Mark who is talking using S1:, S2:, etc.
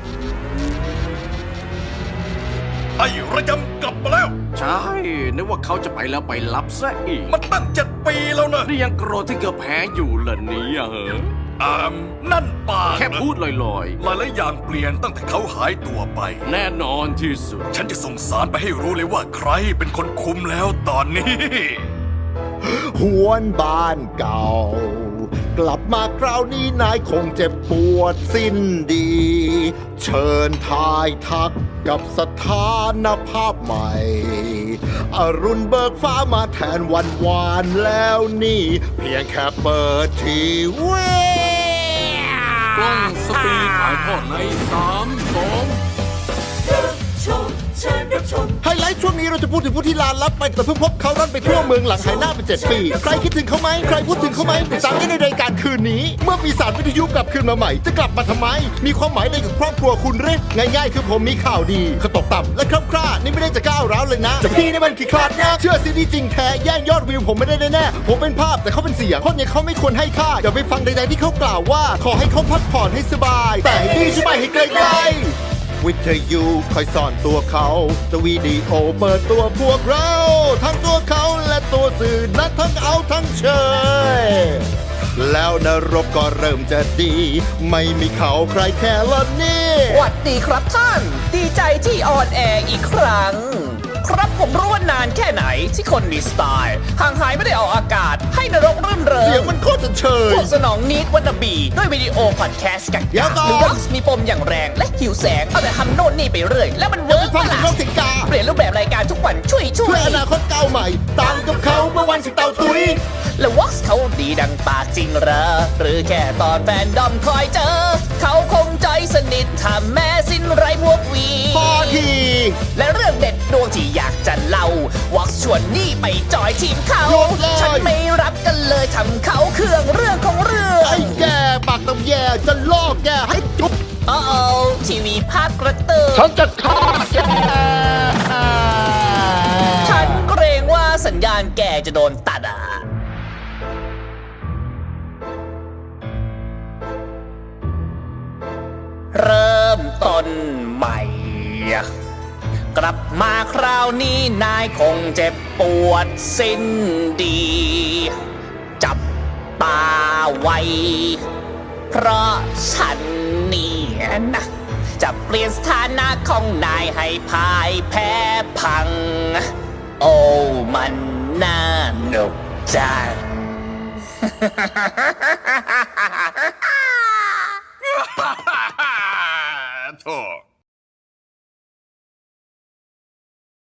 S1: ไอ้ระยำกลับมาแล้ว
S2: ใช่นึกว่าเขาจะไปแล้วไปรับซะอีก
S1: มันตั้ง7 ปีแล้วนะ
S2: นี่ยังโกรธที่เกือบแพ้อยู่เหรอเนี่ยเหรอ
S1: นั่นปาก
S2: แค่พูดลอย
S1: หลายอย่างเปลี่ยนตั้งแต่เขาหายตัวไป
S2: ๆแน่นอนที่สุด
S1: ฉันจะส่งสารไปให้รู้เลยว่าใครเป็นคนคุมแล้วตอนนี้
S3: หวนบ้านเก่า กลับมาคราวนี้นายคงเจ็บปวดสิ้นดี เชิญทายทักกับสถานภาพใหม่ อรุณเบิกฟ้ามาแทนวันวานแล้วนี่ เพียงแค่เปิดทีวี
S2: กล้องสปีดถ่ายทอดใน3-2
S3: ไฮไลท์ช่วงนี้เราจะพูดถึงผู้ที่ลาลับไปแต่เพิ่งพบเขาร่อนไปทั่วเมืองหลังหายหน้าไป7 ปี ใครคิดถึงเขาไหมใครพูดถึงเขาไหมติดตามได้ในรายการคืนนี้ เมื่อปีศาจวิทยุกลับคืนมาใหม่จะกลับมาทำไม มีความหมายอะไรกับครอบครัวคุณหรือง่ายๆคือผมมีข่าวดีเขาตกต่ำและคร่ำคร่านี่ไม่ได้จะก้าวร้าวเลยนะแต่พี่นี่มันขี้คลาดนะเชื่อซีดีจริงแท้แย่งยอดวิวผมไม่ได้แน่ๆผมเป็นภาพแต่เขาเป็นเสียงคนอย่างเขาไม่ควรให้ค่าอย่าไปฟังใดๆที่เขากล่าวว่าขอให้เขาพักผ่อนให้สบาย แต่ให้ดีใช่ไหมให้ไกลๆวิทยุคอยสอนตัวเขาจะวิดีโอเปิดตัวพวกเรา ทั้งตัวเขาและตัวสื่อและทั้งเอาทั้งเชยแล้วนรกก็เริ่มจะดี ไม่มีเขาใครแค่ละนี่
S4: สวัสดีครับท่าน ดีใจที่ออนแอร์อีกครั้ง ครับผมรู้ว่านานแค่ไหนที่คนมีสไตล์ห่างหายไม่ได้ออกอากาศให้นรกรื่นเริง
S3: เสียงมันโคตรจะเชย
S4: พวกสนองนิดวันนบีด้วยวิดีโอพอดแคสต์กัน
S3: เดี๋ยวก่อน
S4: หรือว่ามีปมอย่างแรงและหิวแสงเอาแต่ทำโน่นนี่ไปเรื่อยแล้วมันเวิร์ก
S3: ฟัง
S4: ปะ
S3: ถึง
S4: ล่ะ
S3: โลกสิงกา
S4: เปลี่ยนรูปแบบรายการทุกวันช่วย
S3: เพื่ออนาคตก้าวใหม่ต่างกับเขาเมื่อวันสิเตาตุย
S4: แล้ววอสเขาดีดังปากจริงเหรอหรือแค่ตอนแฟนดอมคอยเจอ เขาคงใจสนิทถ้าแม้สิ้นไรพวกวี
S3: พอที
S4: และเรื่องเด็ดดวงที่อยากจะเล่าวอกชวนนี่ไปจอยทีมเขา
S3: หยุดเลย
S4: ฉันไม่รับกันเลยทำเขาเครื่องเรื่องของเรื่อง
S3: ไอ้แกปากตำแยจะลอกแกให้จุ๊บ
S4: โอ้ทีวีภาคกระตือ
S3: ฉันจะฆ่าแก
S4: ฉันเกรงว่าสัญญาณแกจะโดนตัดอ่ะ เริ่มต้นใหม่ กลับมาคราวนี้นายคงเจ็บปวดสิ้นดี จับตาไว้ เพราะฉันเนี่ยนะ จะเปลี่ยนสถานะของนายให้พ่ายแพ้พัง โอ้มันน่าหนุกจัง
S1: โธ่